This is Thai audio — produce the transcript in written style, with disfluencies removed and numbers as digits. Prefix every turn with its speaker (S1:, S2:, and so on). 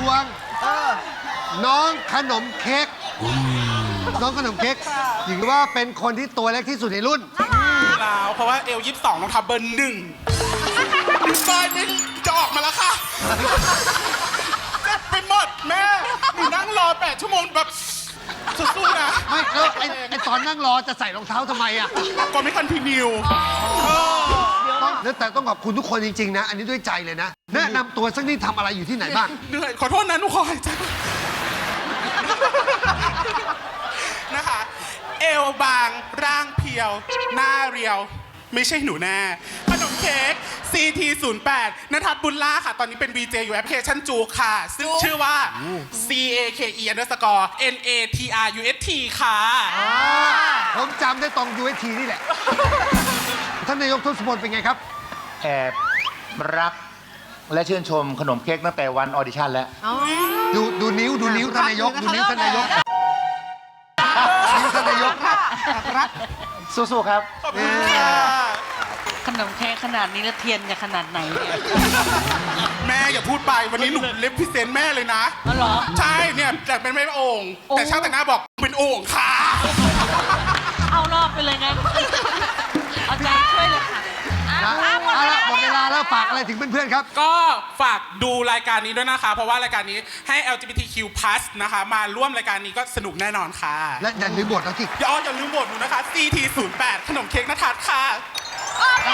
S1: วงน้องขนมเค้กน้องขนมเค้กถือว่าเป็นคนที่ตัวเล็กที่สุดในรุ่น
S2: แล้วเพราะว่าเอล22ต้องทับเบอร์1ซอยนี้จะออกมาแล้วค่ะเจ็บไปหมดแม่หนูนั่งรอ8 ชั่วโมงแบบสู้ๆนะ
S1: ไม่แล้วไอ้ตอนนั่งรอจะใส่รองเท้าทำไมอ่ะ
S2: ก่อนไม่คันทีนิว
S1: แต่ต้องขอบคุณทุกคนจริงๆนะ อันนี้ด้วยใจเลยนะ แนะนำตัวสักนิดทำอะไรอยู่ที่ไหนบ้าง
S2: เหนื่อยขอโทษนะหนูขอหายใจนะคะ เอวบางร่างเพียว หน้าเรียว ไม่ใช่หนูแน่ขนมเค้ก CT08 ณทัศน์บุญล่าค่ะ ตอนนี้เป็น VJ อยู่แอปพลิเคชันจูค่ะ ซึ่งชื่อว่า CAKE_NATRUST ค่ะ
S1: ผมจำได้ตรง UST นี่แหละ ท่านนายกทศพลเป็นไงครับ
S3: แอบรักและชื่นชมขนมเค้กตั้งแต่วันออดิชั่นแล้ว
S1: ดูนิ้วท่านนายกดูนิ้วท่านนายกนิ้วท่านนายก
S3: สู้ๆครับ
S2: ขอบคุณค่ะ
S4: ขนมเค้กขนาดนี้แล้วเทียนจะขนาดไหนเนี่ย
S2: แม่อย่าพูดไปวันนี้หนูเลฟพิเศษแม่เลยนะ
S4: อ๋อเหรอ
S2: ใช่เนี่ยแต่เป็นไม่โอ่งแต่ช่างแต่งหน้าบอกเป็นโอ่งค่ะ
S4: เอารอบไปเลยงั้นเอาใจช่วยเลยค่ะ
S1: เอาละหมดเวลาแล้วฝากอะไรถึงเพื่อนๆครับ
S2: ก็ฝากดูรายการนี้ด้วยนะคะ เพราะว่ารายการนี้ให้ LGBTQ+ นะคะมาร่วมรายการนี้ก็สนุกแน่นอนค่ะ
S1: และอย่าลืมบทแล้วที่
S2: อย่าลืมบทหนูนะคะ CT08 ขนมเค้กนทัศน์ค่ะ